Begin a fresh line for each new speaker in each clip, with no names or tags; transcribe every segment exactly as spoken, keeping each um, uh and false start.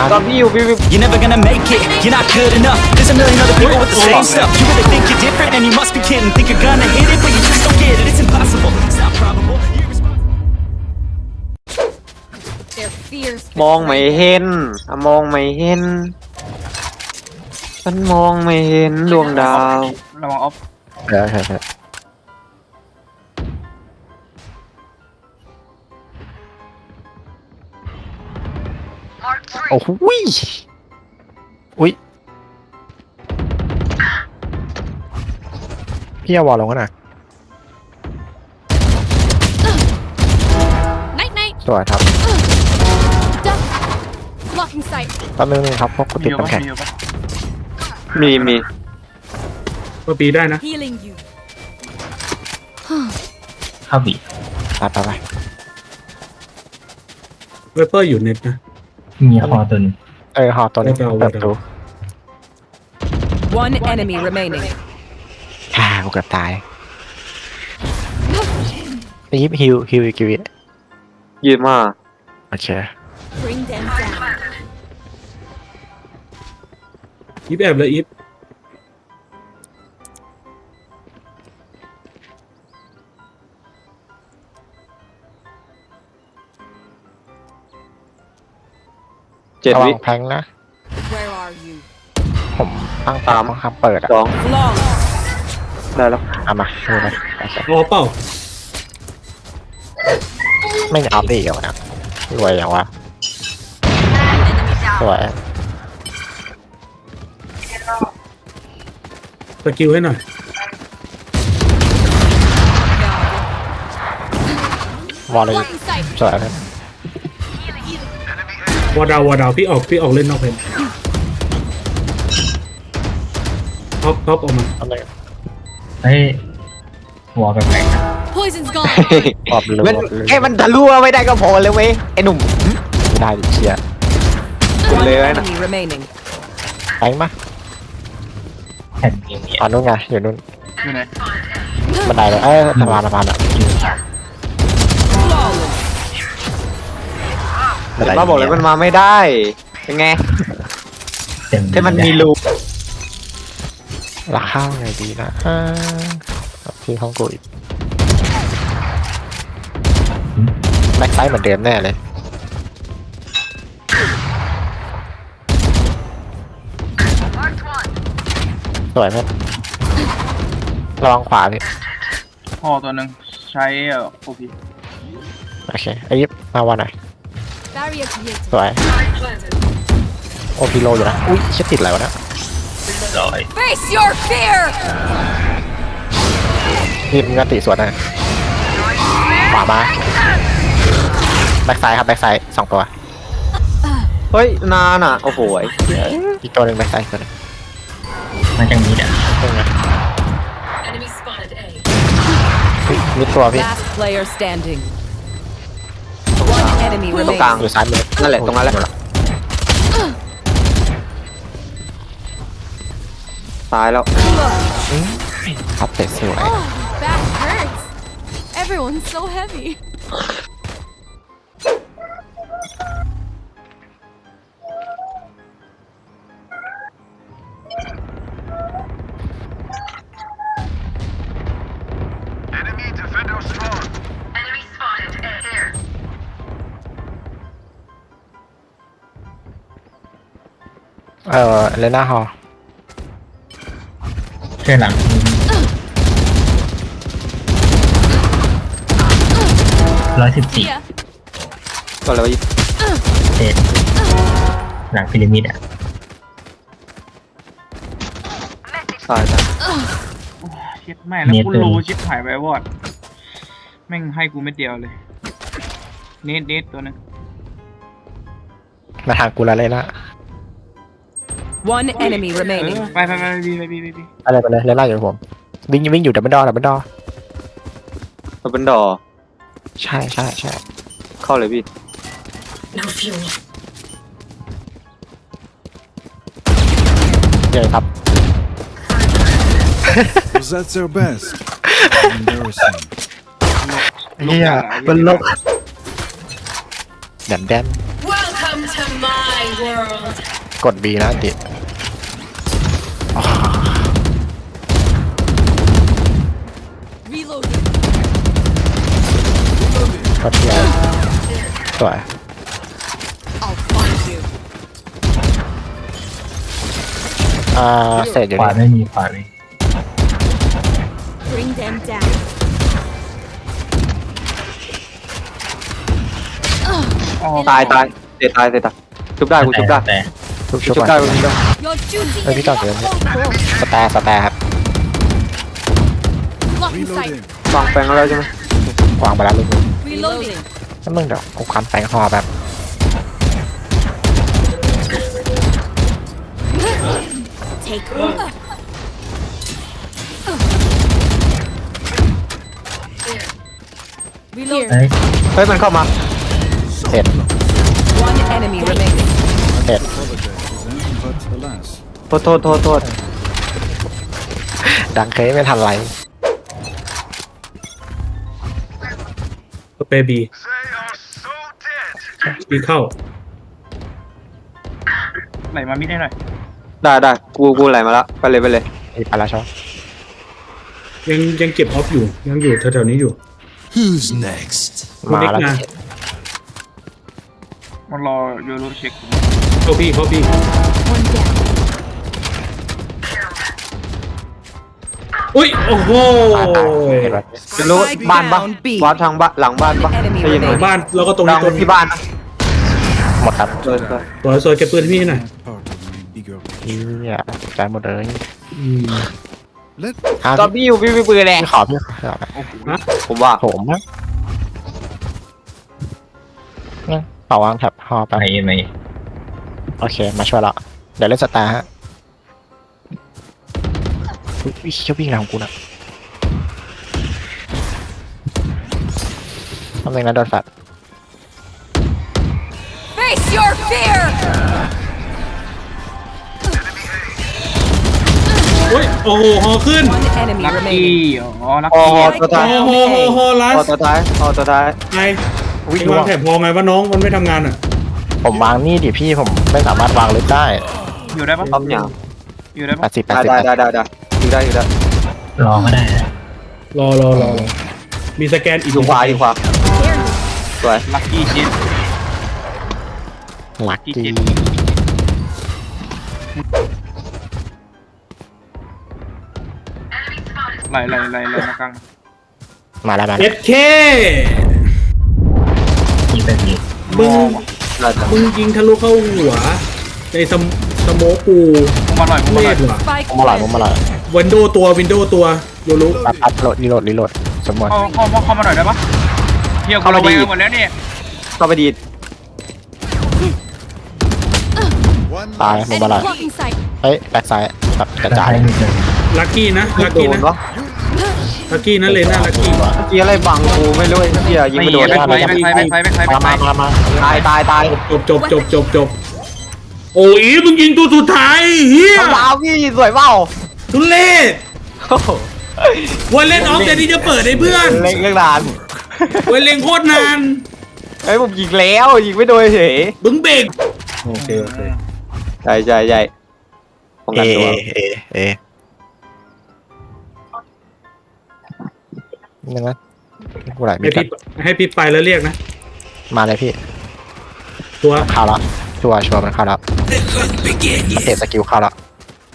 ตอนพี่อยู่พี่พี่
You're never gonna make it, you're not good enough. There's a million other people with the same stuff. You really think you're different and you must be kidding. Think you're gonna hit it, but you just don't get it. It's impossible, it's not probable. You're irresponsible.
Their fears
มองไม่เห็นอ่ะมองไม่เห็นฉันมองไม่เห็นดวงดาว
ระวังออฟ
ใช่ใช่ใช่โอ้โหอุ้ยอุ้ยพี่เอาวอลลงกันหน่อย
Night night.
สวยครับ
Duck. Blocking sight.
แป๊บนึงครับพวกกู
มี
ติด
อยู่ปะ
น้ำแข็ง
มีอยู่ปะ
มีมี
ก็ปีได้นะ
Healing you.
เข้าบี
ไปไปไป
เวเปอร์อยู่เน็ตนะ
มีคอตัวหนึง
เออหอตัวนี้
เอาเอา
เปิดประตู
One enemy remaining.
อ่ากูเกือบตายไปยิบฮิวฮิวอีกกี่วิ
ยืนมา
โอเค
Bring them down.
อีฟแอบเลยอีฟ
เจ็ด
ระวั
วิ
งแพงนะ
Where are you?
ผมตั้ง
สาม
ตามครับเปิดอ่ะ
สอง
Flawless.
ได้แล้ว
เอามาดูเลยโอเค
รอเปล่า
ไม่เอาได้อีกแล้วนะรวยอย่างวะสวย
สกิลให้หน่อย
วอลเลย
Blocking sight.
สวยเลยว
อดาววอดาวพี่ออกพี่ออกเล่นนอกเพนท็อปท็อปออกมา
เอาเลย
เฮ้ยหัวแปลกๆนะ
Poison's gone.
ปอบเลย
มัน
ปอบเลย
แค่มันทะลุไม่ได้ก็พอเลยเว้ยไอ้หนุ่ม
ไม่ได้ดิเชียร์
คุณ
One
เลยนะ
enemy remaining.
ไปมา
แผ่นเกมเนี่ย
ตอนนู้นไงอยู่นู้น
อยู่ไหน
บันไดเลยเอ้ยสะพานสะพานอ่ะ
Flawless.
บันได
มาบอกเลยมันมาไม่ได้เป็นไง
เต็ม
แค่มันมีรู
ราคาไงดีนะอ่าที่ห้องกูอีกแบ็คไซด์เหมือนเดิมแน่เลยสวยไหมระวังขวาพี่
คอตัวหนึ่งใช้เอ่อโอพี
โอเคไอ้ยิบมาวันหน่อย
Barrier created.
สวยโอพีโลอยู่นะอุ้ยเช็ดติดอะไรวะเนะ
ร้อย
Face your fear.
นี่มึงก็ติสวนนะขวามาแบ็คไซด์ครับแบ็คไซด์สองตัว
เฮ้ยนานอ่ะโอ้โหย
อีกตัวหนึ่งแบ็คไซด์ตัวหนึง
มาจากนี้อ่ะ
ตรงนี้มีตัวพี่
Last player standing. One enemy
ตรงกลาง
remaining.
อยู่ซ้ายมือ
นั่นแหละตรงนั้นแหละตายแล้ว
ครับเตะสวย
Oh, back hurts. Everyone's so heavy.
เออเลน่าฮอล
เชื่อหลังร้อยสิบสี่
Yeah.
ก็เลยว่า
เศษหลังพีระมิดอ่ะ
ตายตาย
เช็ดแม่แล้ว
เน็ต
กู
เลย
รู้ชิปหายไปวอดแม่งให้กูเม็ดเดียวเลยเนตเนตตัวหนึง
มาทางกูแล้วเลยนะ
One enemy
เอ
remaining.
อไปไปไปบีไปบีไปบี
อะไรไปเลยเลน่าอยู่กับผมวิ่งวิ่งอยู่ดับเบิลดอดับเบิลดอ
มันเป็นดอ
ใช่ใช่ใช่
เข้าเลยพี่
เยอะครับ
Was that their best? Embarrassing.
เฮียเป็นโลกแดนแดน
Welcome to my
กด B นะติอ๋อ
Reloading.
กดเทียสวย
I'll find you.
อ่าเศษอยู่
ขวา
นี่
ไม่มีขวาไม่มี
Bring them down.
อ๋อ
ตายตายเสียตายเสียตายชุบได้กูชุบได้
แต่
ชุบ
ชุ
ชุ
บบ ได้
ก่อน
กูชุบได้
Your duty
Ê,
is
cái trò
not
kìa.
over.
สแตร์สแตร์ครับ
Blocking sight.
Reloading.
วางแปลงแล้วใช่ไหม
วางไปแล้วลูกนึง
Reloading.
ถ้ามึงเดี๋ยวกูคันแปลงคอแบบ
Take hold. Reload.
เฮ้ย
เฮ้ยมันเข้ามา
เสร็จ
One enemy remaining.
เสร็จ
Apologize, but alas.
โทษโทษโทษโทษ
ดังเคยไม่ทันไร
สเปรย์บีบีเข้า
ไหลมามิดได้หน่อย
ได้ได้กูกูไหลมาแล้วไปเลยไปเลย
อีไปแล้วชอบ
ยังยังเก็บออฟอยู่ ยังอยู่แถวๆนี้อยู่
Who's next?
คุณ
มา
เน็ก
แล้ว
มา
มันรอโยโรเช็ค
เข้าพี่เข้าพี่
One down.
อุ้ยโอ้โห
ตายตายเห็นไหม
จะรู้บ้านปะ
down B
วัดทางบ้านหลังบ้านปะ
Enemy
ได้ยินไหม
remaining
บ้านแล้วก็ตรง
หลั
นี้
ง
ตัว
ที่บ้านนะ
หมดครับ
เออเออ
สวยสวยเก็บปืนให้พี่หน่อย
Part of my bigger
นี่อ่ะใจหมดเลย
อืม
Let
อ้าว
ตอนพี่อยู่พี่พี่ปืนแหละ
พี่ขอพี่ขอ
ผมว่า
ผมนะเนี่ยต่อวางแท็บฮอไป
ไม่ไม่
โอเค มาช่วยละเดี๋ยวเล่นสตาร์ฮะอุ๊ยวิ่งเชี่ยววิ่งหลังกูนะทำไมนะโดนแฟด
Face your fear.
โอ้ยโอ้โหฮอขึ้น
One enemy
ลักกี้
remaining.
อ๋อลัก
อ๋อ
กี้
ตัวท้าย
โอ้โหโอ้โหลั
อ๋อ
ส
ตัวท้ายอ๋อตัวท้าย
ไง
วิ่ง
เอ็ง
ล่ว
วาง งแถบพอไงว่าน้องมันไม่ทำงานอ่ะ
ผมวางนี่ดิพี่ผมไม่สามารถวางลึกได้
อยู่ได้ปะ
ปั๊มอย่าง
อยู่ได้
แป
ปะ
ดสิบแปด
ได้
สิบ
ได้ได้ได้ได้อยู่ได้อยู่ได้
รอก็ได้นะ
รอรอรอรอมีสแกนอีก
อยู่ขวาอยู่ขวาสวย
ลักกี้ชิด
หลัก
กี่
ดี
เจ็ดไหลไหลไหลไหลมากลาง
มาแล้วมา
เอ
แล้ว
สเค
มีเป็นมี
มึง
ได้จ้ะ
มึงยิงทะลุเข้าหัว ในสมสโมกู
มุมมาหน่อยมุม
เว
มาหน่อย
ทว่ะ
Spike
ผมมาหล่อยผมมาหล่อย
วินโดว์ตัววินโดว์ตัวโยรุ
ปั๊บปั๊บโหลดรีโหลดรีโหลดสมมติ
เข้าเข้าเข้ามาหน่อยได้ปะเที่ยวกูระแวงหมดแล้วเนี่ย
เข้าไปดีด
one
ตาย
last
ผมมาหล่อย
blocking sight.
เฮ้ยแบ็คไซด์แบบกระ
แล้ว
จาย
ให้มีเป็น
ลักกี้นะ
ไม่
ลัก
โด
กี้
น
นะ
วะ
ลักกี้นะเลน่าลักกี้
เมื่อกี้อะไรบังกูไม่รู้ไอ้เหี้ยยิง
ไม่
ไม่โดน
ไม่ไปไม่ไปไม่ไปไม่ไป
มา
ไม่
มา
ไป
มามา
ตายตายตาย
จบจบจบจบจบโอ้ยมึงยิงตัวสุดท้ายเฮีย
ทำลาวพี่สวยเปล่า
ทุเรศ
โอ้โห
วันเล่นออฟแต่ที่จะเปิดให้เพื่อน
เล่นเรื่องนาน
วันเล่นโคตรนาน
ไอ้ยผมยิงแล้วยิงไม่โดนเฉย
บึ้งเบรก
โอเคโอเค
ใช่ใช่ใช่ป้อง
เอ
กันตัว
เอเอนึงนะกูไหล
ให้
ไม่กั
พี่
น
ให้พี่ไปแล้วเรียกนะ
มาเลยพี่
ตัว
เข้าแล้วชัวร์ชัวร์มันเข้าแล้วมันเตะสกิลเข้าแล้ว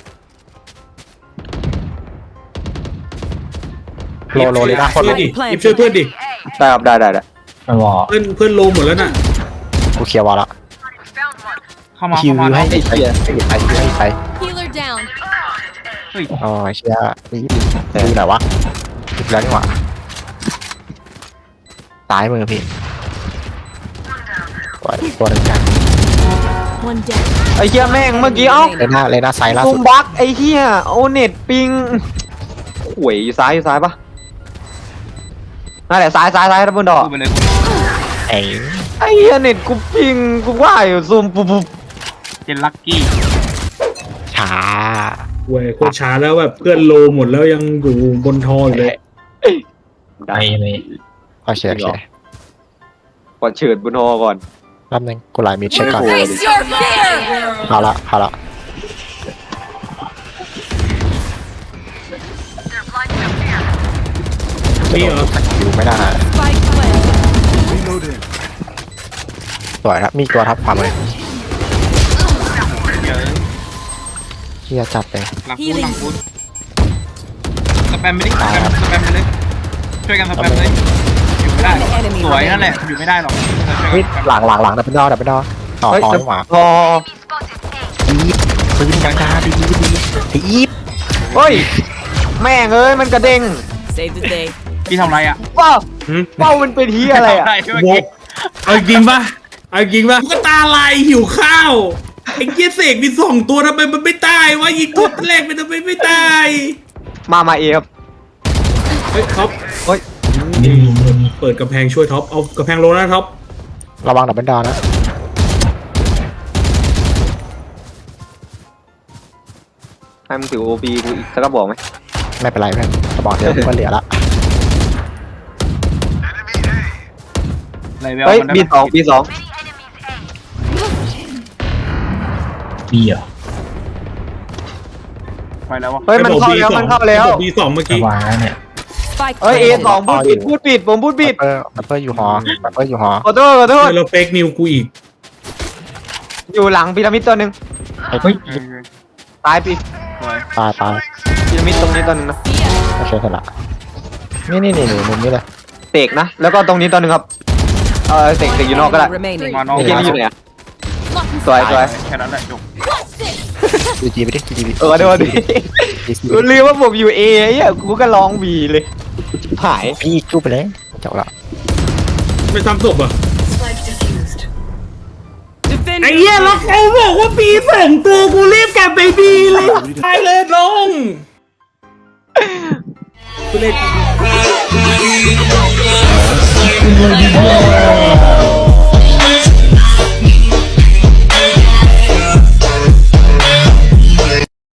โลโลเลยนะคน
ช่
โล
วยดิยิบช่วยเพื่อนดิ
ได้ครับได้ได้ได้
มันวอ
เพื่อนเพื่อนโลหมดแล้วน่ะ
กูเคลียร์วอลแล้ว
เข้ามา
คิว
เข้ามา
ให้
แล้ว
ไปไปไปไปไป
Healer down.
เฮ้ย
อ๋อเชียร์นี่ดูไหนวะดูแล้วนี่หว่าซ้ายมือพี่ตัวตัวนึงกัน
One down.
ไอ้เหี้ยแม่งเมื่อกี้เอ้า
เลน่าเลน่าไซด์ล่า
ซุ
สุ
ม
ด
บักไอ้เหี้ยโอเน็ตปิงหวยอยู่ซ้ายอยู่ซ้ายปะนั่นแหละซ้ายซ้ายซ้ายทับบนดอก
พูดไปเลย
ไอ้
ไอ้เหี้ยเน็ตกูปิงกูว่าอยู่ซูมปุ๊บปุ๊บ
เจนลักกี้
ช้า
เว้ยโคตรช้าแล้วแบบเพื่อนโลหมดแล้วยังอยู่บนทออยู่เลย
ไปไม่
โอเคโอเค
ก่อนเฉิดบนฮอก่อน
รอบนึงกูไลน์มิดเช็คก่อน
Face your fear!
เอาละเอาละจะโดนสกิลไม่ได้
Spike planted.
Reloading.
สวยครับมีตัวทับความเลย
เยอะ
เฮียจัดเลย
หลังกูหลังกูสแปมไปดิสแปมสแปมไปเลยช่วยกันสแปมเลยอยู่ไม่ได้หรอกสวยนั่นแหละอยู่ไม่ได้หรอก
เฮ้ยหลังหลังหลังดับเบิลดอดับเบิลดอต่อ
เฮ้ย
ต่อ
จะ
ดีกว่า
พอ
อีฟปืนกลางดีดีดีอีฟ
เฮ้ยแม่งเอ้ยมันกระเด้ง
Save the day.
พี่ทำไรอ่ะ
ว้าวว้าวมันเป็นที่อะไรอ่ะ
ทำไรเมื่อ
โว
กี้
กเอาจริงปะเอาจริงปะก็ตาลายหิวข้าวไอ้เกียเสกมีสองตัวทำไมมันไม่ตายวะยิงตัวแรกมันทำไมไม่ตาย
มามาเอครับ
เฮ้ยท็อป
เฮ้ย
มีมีมีมี
เปิดกระแพงช่วยท็อปเอากระแพงโลนะท็อประ
วังดับเบิลดอนะ
ให้มึงถือโอปีกูอีกสักกระบอกไหม
ไม่เป็นไรเพื่อนกระบอกเดียวก็เหลือละ
อะไรเวล
เฮ้ย
มันได้
บีสองบีสอง
มีเหรอ
ไปแล้ววะ
เฮ้ยมันเข้าแล้วมันเข้าแล้ว
บีสองเมื่อ
ระ
กี้
วังนะเนี่ย
Spike
เฮ้ยเอ
planted.
สองพูดผิดพูดผิดผมพูดผิด
เปอร์เปอร์อยู่หอเปอร์อยู่หอ
ขอโทษขอโทษ
แล้วเฟกนิวกูอีก
อยู่หลังพีระมิดตัวหนึ่ง
ไอ้
เฮ้ย
เออ
ตายปี
สวย
ตายตาย
พีระมิดตรงนี้ตัวหนึ่งนะ
โอเคเสร็จละนี่นี่นี่นี่มุมนี้เลย
เตกนะแล้วก็ตรงนี้ตัวหนึ่งครับเออเตกเตกอยู่นอกก็ได้
Enemy remaining.
มาน้อง
ไอ้เกมนี้อยู่ไหนอะ
Lock and
สวยสวย
แค่นั้นแหละจบ
What's this?
จีจีไปดิจีจี
เออเดี๋ยวดิกูลืมว่าผมอยู่เอไอ้เหี้ยกูก็ร้องบีเลยหาย
พี่จูบไปเลยจบละ
ไม่ทำศพอ่ะ
Defend
ไอ้เหี้ยแล้วเขาบอกว่าปีสองตัวกูรีบกลับไปบีเลยตายเลยลงกูเล่น